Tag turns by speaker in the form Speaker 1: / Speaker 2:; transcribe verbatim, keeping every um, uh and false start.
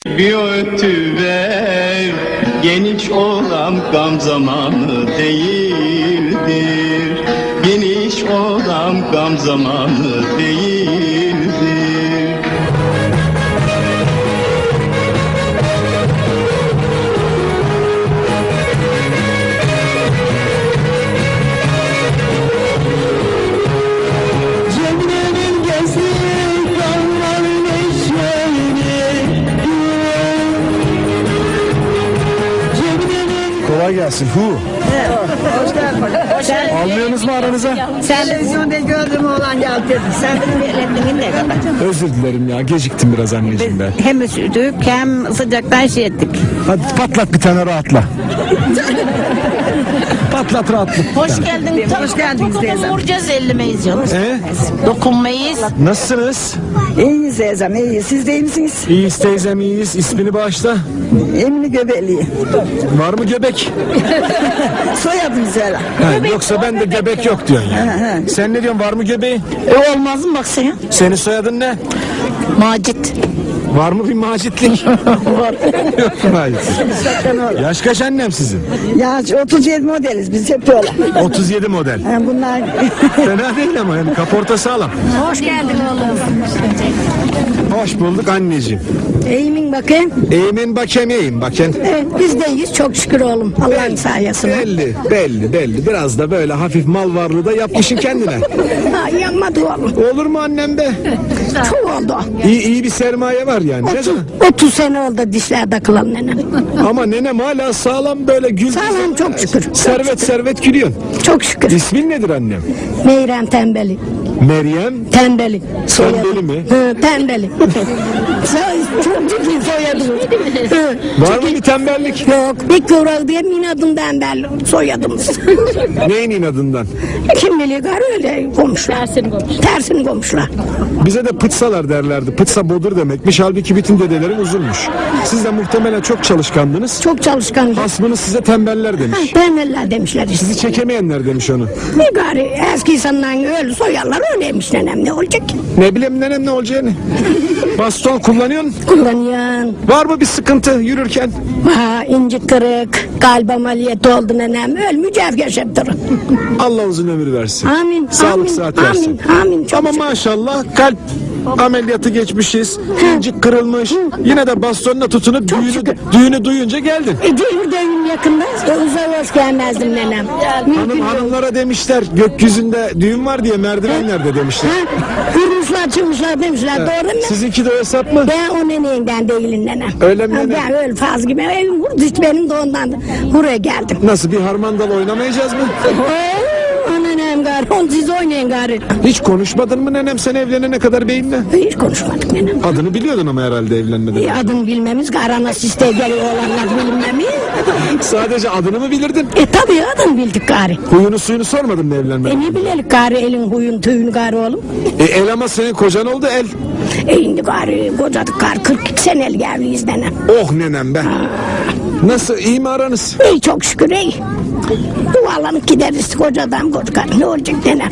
Speaker 1: Bir ötüver geniş olan gam zamanı değildir. Geniş olan gam zamanı değildir.
Speaker 2: Kolay gelsin. Hu.
Speaker 3: Hoş geldin. Hoş geldin.
Speaker 2: Almıyorsunuz mu aranıza?
Speaker 3: Sen televizyonda gördüm oğlan geldi dedi. Sen benim ellerimden ne kadar?
Speaker 2: Özür dilerim ya. Geciktim biraz anneciğim ben.
Speaker 3: Hem üşüdük hem sıcaktan şey ettik.
Speaker 2: Hadi patlat bir tane rahatla. Patlat rahatla.
Speaker 4: Hoş geldin.
Speaker 3: Hoş geldiniz teyzem.
Speaker 4: Vuracağız ellemeyiz canım.
Speaker 2: Ee,
Speaker 4: Dokunmayız.
Speaker 2: nasılsınız?
Speaker 3: İyiyiz teyzem iyi. Siz de iyi misiniz?
Speaker 2: İyiyiz teyzem iyiyiz. İsmini bağışla.
Speaker 3: Emine Göbekli.
Speaker 2: Var mı göbek?
Speaker 3: Soyadım söyle.
Speaker 2: Ha, yoksa ben de göbek yok diyorsun yani. Sen ne diyorsun, var mı göbeği?
Speaker 4: E olmaz mı bak sen?
Speaker 2: Senin soyadın ne?
Speaker 4: Macit.
Speaker 2: Var mı bir macitlik? Var. Yok mu macitlik? Yaş kaç annem sizin?
Speaker 3: Ya otuz yedi modeliz biz hep öyle.
Speaker 2: otuz yedi model.
Speaker 3: Ha, bunlar
Speaker 2: Fena değil ama yani kaporta sağlam.
Speaker 4: Hoş geldin oğlum.
Speaker 2: Hoş bulduk anneciğim.
Speaker 3: eğimin bakayım.
Speaker 2: Eğimin bakayım, eğim bakayım.
Speaker 3: Evet, biz de iyiyiz çok şükür oğlum. Allah'ın sayesinde.
Speaker 2: Belli, belli, belli. Biraz da böyle hafif mal varlığı da yapmışsın kendine.
Speaker 3: Ha, yanmadı oğlum.
Speaker 2: Olur mu annem be?
Speaker 3: Çok oldu.
Speaker 2: İyi, iyi bir sermaye var yani. Ne zaman?
Speaker 3: otuz sene oldu dişler takılan nenem.
Speaker 2: Ama nenem hala sağlam böyle gül.
Speaker 3: Sağlam, çok şükür.
Speaker 2: Servet servet gülüyorsun.
Speaker 3: Çok şükür.
Speaker 2: İsmin nedir annem?
Speaker 3: Meyrem Tembeli.
Speaker 2: Meryem.
Speaker 3: Tembeli.
Speaker 2: Tembeli mi?
Speaker 3: Hı, tembeli. Soy- çok ciddi soyadım. Hı.
Speaker 2: Var mı bir tembellik?
Speaker 3: Yok. Bir kıvrak diye inadım tembel soyadımız.
Speaker 2: Neyin inadından?
Speaker 3: Kim bilir gar öyle komşular. Tersini komşular. Tersini komşular.
Speaker 2: Bize de pıtsalar derlerdi. Pıtsa bodur demekmiş. Halbuki bütün dedelerin uzunmuş. Siz de muhtemelen çok çalışkandınız.
Speaker 3: Çok çalışkan.
Speaker 2: Hasmınız size tembeller demiş.
Speaker 3: Tembeller demişler işte.
Speaker 2: Sizi çekemeyenler demiş onu.
Speaker 3: Ne gari eski insandan öyle soyarlar öyleymiş nenem ne olacak?
Speaker 2: Ne bileyim nenem ne olacağını. Baston kullanıyorsun.
Speaker 3: Kullanıyan.
Speaker 2: Var mı bir sıkıntı yürürken?
Speaker 3: Ha, inci kırık, kalp ameliyatı oldu nenem. Öl mücevher şeptırı.
Speaker 2: Allah uzun ömür versin.
Speaker 3: Amin.
Speaker 2: Sağlık
Speaker 3: amin,
Speaker 2: sıhhat versin.
Speaker 3: Amin. Amin. Çok
Speaker 2: Ama
Speaker 3: şükür.
Speaker 2: maşallah kalp ameliyatı geçmişiz. İncik kırılmış. Yine de bastonla tutunup düğünü,
Speaker 3: şükür.
Speaker 2: düğünü duyunca geldin.
Speaker 3: E, devir devir yakında. Uzağa hoş gelmezdim nenem.
Speaker 2: Hanım, hanımlara demişler gökyüzünde düğün var diye merdivenlerde demişler.
Speaker 3: Ha, kırmışlar çıkmışlar demişler. Doğru mu?
Speaker 2: Sizinki de o hesap mı?
Speaker 3: Ben o neneğinden değilim nenem.
Speaker 2: Öyle mi
Speaker 3: Ha,
Speaker 2: nenem?
Speaker 3: Ben öyle faz gibi. Evim vurdu hiç benim de ondan. Buraya geldim.
Speaker 2: Nasıl, bir harmandal oynamayacağız mı?
Speaker 3: Oo, nenem gari. On siz oynayın gari.
Speaker 2: Hiç konuşmadın mı nenem sen evlenene kadar beyinle?
Speaker 3: Hiç konuşmadık nenem.
Speaker 2: Adını biliyordun ama herhalde evlenmeden.
Speaker 3: E, adını bilmemiz garana siste geliyor olanlar bilmemiz.
Speaker 2: Sadece adını mı bilirdin?
Speaker 3: E tabii adını bildik gari.
Speaker 2: Huyunu suyunu sormadın mı evlenmeden?
Speaker 3: E ne bilelim gari elin huyun tüyün gari oğlum.
Speaker 2: E, el ama senin kocan oldu el.
Speaker 3: E şimdi gari kocadık gari kırk iki senelik evliyiz nenem.
Speaker 2: Oh nenem be. Nasıl, iyi mi aranız?
Speaker 3: İyi çok şükür iyi. Dualanıp gideriz kocadan koca ne olacak nenem.